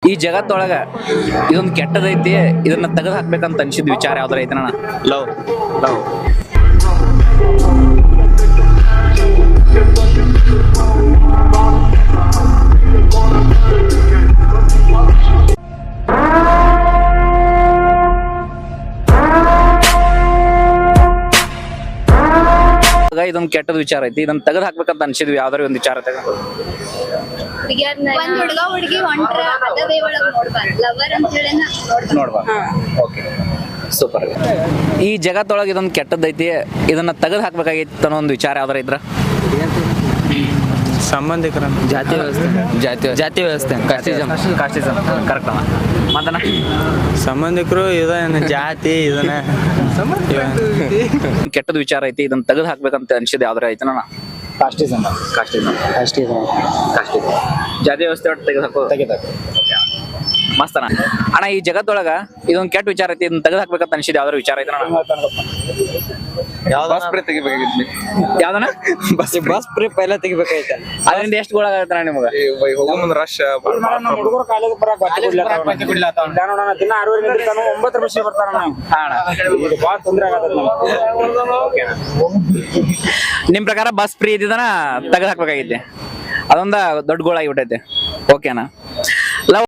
ಈ ಜಗತ್ತೊಳಗ ಇದೊಂದು ಕೆಟ್ಟದೈತಿ, ಇದನ್ನ ತೆಗೆದು ಹಾಕ್ಬೇಕಂತ ಅನ್ಸಿದ್ ವಿಚಾರ ಯಾವ್ದಾರ ಐತನ? ಲವ್ ಲವ್ ಇದೊಂದು ಕೆಟ್ಟದ ವಿಚಾರ ಐತಿ, ಇದನ್ನ ತೆಗೆದು ಹಾಕ್ಬೇಕಂತ ಅನ್ಸಿದ್ವಿ ಯಾವ್ದಾರ ಒಂದು ವಿಚಾರ ತೆಗೆದು. ಒಂದ್ ಹುಡುಗ ಹುಡುಗಿ ಹೊಂಟ್ರ ಅದವೇ ಒಳಗ್ ನೋಡ್ಬಾರ್ದು, ಲವರ್ ಅಂತ ಹೇಳಿ ನೋಡ್ಬಾ. Okay, super. ಈ ಜಗತ್ತೊಳಗೆ ಇದೊಂದು ಕೆಟ್ಟದೈತಿ, ಇದನ್ನ ತೆಗೆದು ಹಾಕ್ಬೇಕಾಗಿತ್ತು ಅನ್ನೋ ಒಂದು ವಿಚಾರ ಯಾವ್ದಾರ ಇದ್ರ? ಸಂಬಂಧಿಕರ ಜಾತಿ ವ್ಯವಸ್ಥೆ ಕಾಸ್ಟಿಸಮ್ ಕರೆಕ್ಟ್ ಅಣ್ಣ. ಮತ್ತನ ಸಂಬಂಧಿಕರು ಇದನ್ನ ಜಾತಿ ಇದನ್ನ ಕೆಟ್ಟದ ವಿಚಾರ ಐತಿ, ಇದನ್ನ ತೆಗೆದು ಹಾಕ್ಬೇಕಂತ ಅನ್ಸಿದ್ ಯಾವ್ದಾರ ಐತನ? ಕಾಸ್ಟಿಸಮ್ ಜಾತಿ ವ್ಯವಸ್ಥೆ ಒಟ್ಟು ತೆಗೆದು ಹಾಕೋ ಮಸ್ತನ ಅಣ್ಣ. ಈ ಜಗತ್ತೊಳಗ ಇದೊಂದ್ ಕೆಟ್ಟ ವಿಚಾರ ಐತಿ, ಇದನ್ನ ತೆಗೆದು ಹಾಕ್ಬೇಕಂತ ಅನ್ಸಿದ್ ಯಾವ್ದಾರ ವಿಚಾರ ಐತನ? ಯಾವ್ದನ? ಬಸ್ ಫ್ರೀ ಪೈಲ ತೆಗಿಬೇಕಾಯ್ತ. ಅದರಿಂದ ಎಷ್ಟು ಗೋಳ ಆಗತ್ತಣ್ಣ ನಿಮಗ? ರಶ್ ಹುಡುಗರು ಕಾಲೇಜ್ ಬರಾಕ್ ದಿನ 6 ಗಂಟೆ 9 ನಿಮಿಷ ಬರ್ತಾರ. ಇದು ಬಾಳ ತೊಂದ್ರೆ ಆಗತ್ತ. ನಿಮ್ ಪ್ರಕಾರ ಬಸ್ ಫ್ರೀ ಇದ್ದಿದ್ದನ ತೆಗೆದು ಹಾಕ್ಬೇಕಾಗೈತಿ, ಅದೊಂದ ದೊಡ್ಡ ಗೋಳ ಆಗಿಬಿಟ್ಟೈತೆ. ಓಕೆನಾ?